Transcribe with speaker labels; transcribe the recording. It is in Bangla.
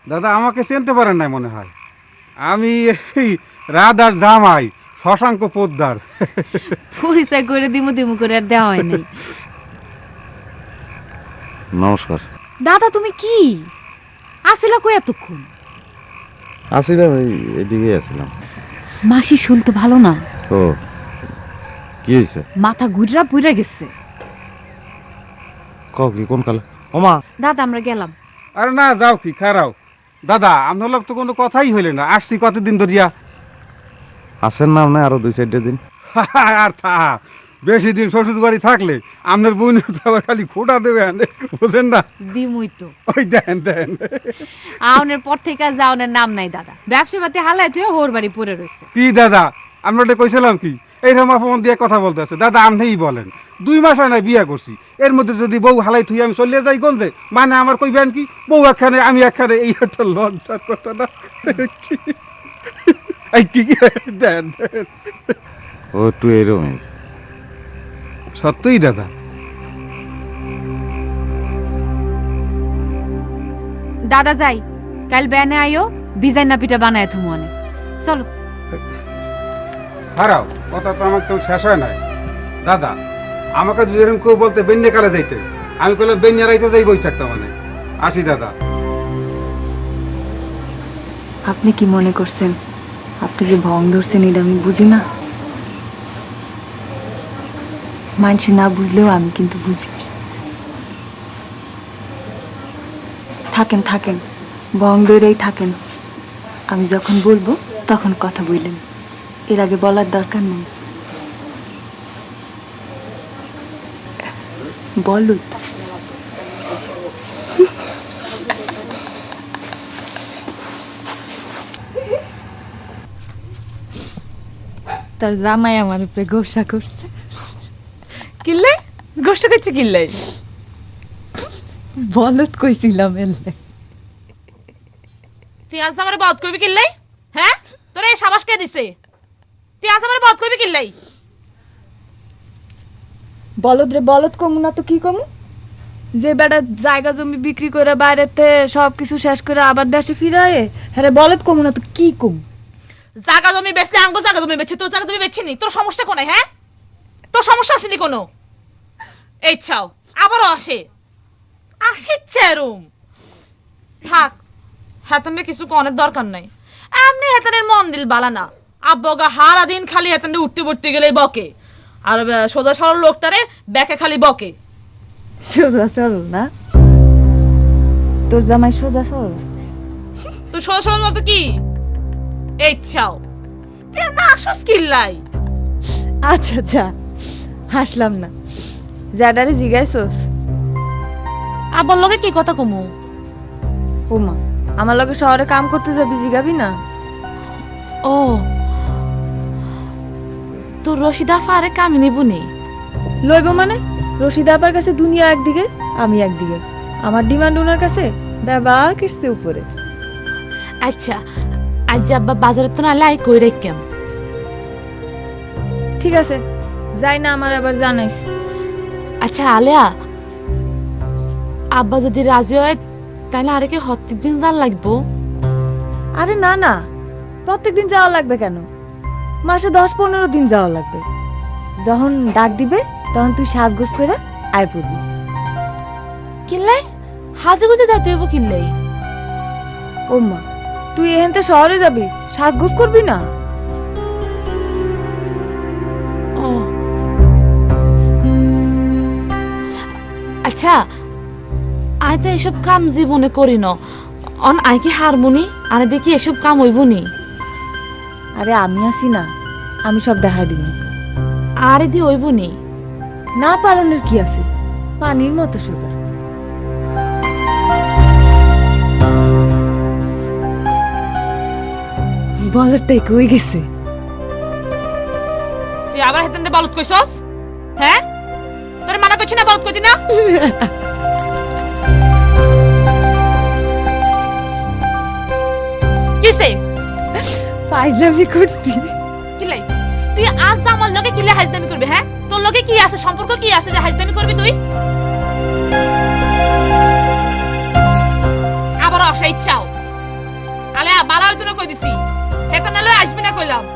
Speaker 1: দাদা আমাকে চিনতে পারেন নাই মনে হয়। আমি এই রাধার জামাই শশাঙ্ক পোদ্দার।
Speaker 2: পরিচয় করে দিমু দিমু করে আর দেওয়া হয় নাই।
Speaker 3: নমস্কার।
Speaker 2: দাদা তুমি কি আসিলা কই এতক্ষণ?
Speaker 3: আসিলাম এদিকে আসছিলাম।
Speaker 2: মাসি শুল তো ভালো না।
Speaker 3: ও কি হয়েছে?
Speaker 2: মাথা ঘুরা পুইরা গেছে।
Speaker 3: কও কি কোন কালে? ওমা
Speaker 2: দাদা আমরা গেলাম।
Speaker 1: আরে না যাও কি খারাও দাদা, আপনার লোক তো কোনো কথাই হইলে না। আসছি কতদিন ধরিয়া।
Speaker 3: আসেন না আপনি আরো 2-4 দিন?
Speaker 1: আর থা বেশি দিন শ্বশুর বাড়ি থাকলে আপনার বোন তো আবার খালি খোটা দেবেন, বুঝেন না?
Speaker 2: দিমুই তো।
Speaker 1: ওই দেন দেন।
Speaker 2: আউনের পর থেকে আর যাওনের নাম নাই দাদা। ব্যবসা পাতি হালায় তুই হোর বাড়ি পড়ে রয়েছে।
Speaker 1: কি দাদা আমরা ওটা কইছিলাম কি এইরকম ফোন দিয়ে কথা বলতে আছে? দাদা আপনিই বলেন, 2 মাস হয় না বিয়া করছি, এর মধ্যে যদি বউ হালাই থুই আমি চলিয়ে যাই গঞ্জে, মানে আমার কইবেন কি বউ একখানে আমি একখানে, এই একটা লজ্জার কথা না? এই কি দেন দেন।
Speaker 3: ও একটু এরকমই।
Speaker 1: সত্যই দাদা।
Speaker 2: দাদা যাই, কাল ব্যানে আইও, বিজাই না পিঠা বানায় তুমি অনেক। চলো
Speaker 1: হারাও কথা তো আমার তো শেষ হয় নাই। দাদা আমাকে যদি এরকম কেউ বলতে বেন্যা কালে যাইতে, আমি কইলাম বেন্যা রাইতে যাই বই থাকতাম। মানে আসি দাদা।
Speaker 4: আপনি কি মনে করছেন আপনি যে ভং ধরছেন এটা আমি বুঝি না? মানুষে না বুঝলেও আমি কিন্তু বুঝি। থাকেন থাকেন, ভং ধরেই থাকেন। আমি যখন বলবো তখন কথা বললেন, এর আগে বলার দরকার নেই। বলুত তার জামাই আমার উপরে গোসা করছে।
Speaker 5: কিল্লে গোষ্ঠ করছে কিল্লে?
Speaker 4: বলত কইছিলাম এলে।
Speaker 5: তুই আজ আমারে বধ করবি কিল্লাই? হ্যাঁ তোরে এই সাবাস কে দিছে? তুই আজ আমারে বধ করবি কিল্লাই?
Speaker 4: বলদ রে বলদ কমু না তো কি কমু? যে বেটা জায়গা জমি বিক্রি করে বাইরেতে সব কিছু শেষ করে আবার দেশে ফিরায়, হ্যাঁ বলদ কমু না তো কি কমু?
Speaker 5: জায়গা জমি বেচলে আঙ্গো জায়গা জমি বেচছে, তোর জায়গা জমি বেচছি নি। তোর সমস্যা কোনায়? হ্যাঁ তোর সমস্যা আসেনি কোনো? এই ছাও আবারও আসে আসে চেরুম। থাক হেতনের কিছু কনের দরকার নাই। এমনি হেতনের মন দিল বালা না। আব্বগা হারা দিন খালি হেতনে উঠতে পড়তে গেলেই বকে, আর সোজা সরল লোকটারে ব্যাকে খালি বকে।
Speaker 4: সোজা সরল না? তোর জামাই সোজা সরল?
Speaker 5: তুই সোজা সরল মতো কি? এই ছাও তুই না আসস কিল্লাই?
Speaker 4: আচ্ছা আচ্ছা হাসলাম না। জাডারে জিগাইছস?
Speaker 5: আব্বার লগে কি কথা কমু?
Speaker 4: ওমা আমার লগে শহরে কাম করতে যাবি, জিগাবি না?
Speaker 5: ও তোর রশিদা ফারে কামি নিবুনি?
Speaker 4: লইব মানে? রশিদা আপার কাছে দুনিয়া একদিকে, আমি একদিকে। আমার ডিমান্ড ওনার কাছে বাবা কিসছে উপরে।
Speaker 5: আচ্ছা আজ আব্বা বাজারে তো নালে আই কই রেখেম।
Speaker 4: ঠিক আছে যাই না, আমার আবার জানাইস।
Speaker 5: আচ্ছা আলিয়া, আব্বা যদি রাজি হয় তাহলে আরে কি হত্তির দিন যার লাগবো?
Speaker 4: আরে না না, প্রত্যেকদিন যাওয়া লাগবে কেন? মাসে 10-15 দিন যাওয়া লাগবে। যখন ডাক দিবে তখন তুই সাজগোজ করে আয় পড়বি।
Speaker 5: কিল্লাই হাজে গুজে যাইতে হইব কিল্লাই?
Speaker 4: ওমা তুই এখানতে শহরে যাবি, সাজগোজ করবি না?
Speaker 5: ও আচ্ছা আই তো এসব কাম জীবনে করি না। অন আই কি হারমোনি আরে দেখি এসব কাম হইব নি?
Speaker 4: আরে আমি আছি না, আমি সব দেখা দিব।
Speaker 5: আরে দি হইব নি?
Speaker 4: না পালনের কি আছে, পানির মতো সোজা। বলটাই কই গেছে?
Speaker 5: তুই আবার হেতেন বলত কইছস? হ্যাঁ তোরে মানা করছি না বলত কইতি না? কিসে
Speaker 4: ফাইজলামি করছি।
Speaker 5: কিলাই তুই আজ আমার লগে কিলে হাজদামি করবি? হ্যাঁ তোর লগে কি আছে, সম্পর্ক কি আছে যে হাজদামি করবি তুই? আবার আসা ইচ্ছাও আলে বালা হইতো না কই দিছি হেতা নালে আসবি না কইলাম